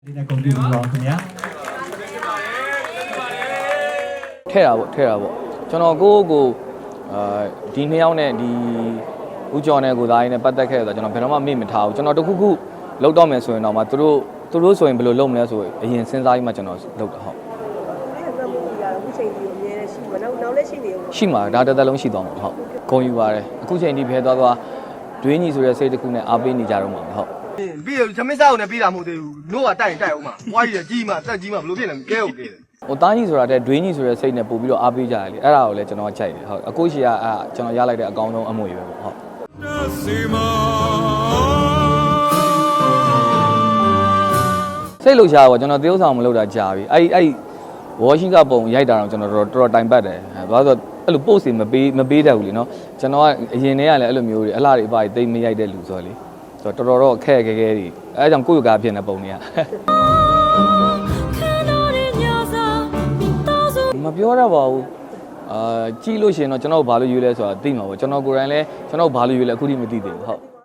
ဒီနေ့ကုန်ပြီပါခင်ဗျာထဲတာပေါ့ကျွန်တော်ကိုဒီနှစ်ယောက်နဲ့ဒီဦးကျော်နဲ့ကိုသားကြီးနဲ့ပတ်သက်ခဲ့ဆိုတော့ကျွန်တော်ဘယ်တော့မှမေ့မထားဘူးကျွန်တော်တခုခုလောက်တော့မယ်ဆိုရင်တော့မှသူတို့ဆိုရင်ဘယ်လိုလုပ်မလဲဆိုအရင်စဉ်းစားပြီးမှကျွန်တော်လုပ်တာဟုတ်ရှိမှာဒါတစ်သက်လုံးရှိသွားမှာဟုတ်ဂုံယူပါတယ်အခုချိန်ဒီဖဲသွားဒွေးညီဆိုတဲ့စိတ်တစ်ခုနဲ့အားပေးနေကြတော့မှာဟုတ်ပြီးရသမင်းစားကိုလည်းပြီးတာမဟုတ်သေးဘူးနို့ကတိုက်အောင်မှာဝါးကြီးကြီးမှတက်ကြီးမှဘလို့ဖြစ်နေကဲဟုတ်ကဲဟိုသားကြီးဆိုတာတဲ့ဒွေးညီဆိုတဲ့စိတ်နဲ့ပို့ပြီးတော့အားပေးကြတယ်လေအဲ့ဒါကိုလည်းကျွန်တော်ကြိုက်တယ်ဟုတ်အခုရှိကကျွန်တော်ရလိုက်တဲ့အကောင်းဆုံးအမွေပဲပေါ့ဟုတ်စိတ်လှုပ်ရှားပေါ့ကျွန်တော်သေဥဆောင်မလုပ်တာကြာပြီအဲ့ဝါရှင်ကပုံရိုက်တာတော့ကျွန်တော်တော်တိုင်ပတ်တယ်ဘာလို့ဆိုအဲ့လိုပို့စီမပေးတတ်ဘူးလေနော်ကျွန်တော်ကအရင်တည်းကလည်းအဲ့လိုမျိုးတွေအလားတွေအပါတွေတိတ်မရိုက်တဲ့လူဆိုတော့လေဆိုတော့တော်ခက်ခဲတွေအဲကြောင့်ကိုယ့်ကားဖြစ်နေပုံတွေကမပြောရပါဘူးကြည့်လို့ရှိရင်တော့ကျွန်တော်ဘာလို့ရွေးလဲဆိုတာသိမှာပေါ့ကျွန်တော်ကိုယ်တိုင်လည်းကျွန်တော်ဘာလို့ရွေးလဲအခုထိမသိသေးဘူးဟုတ်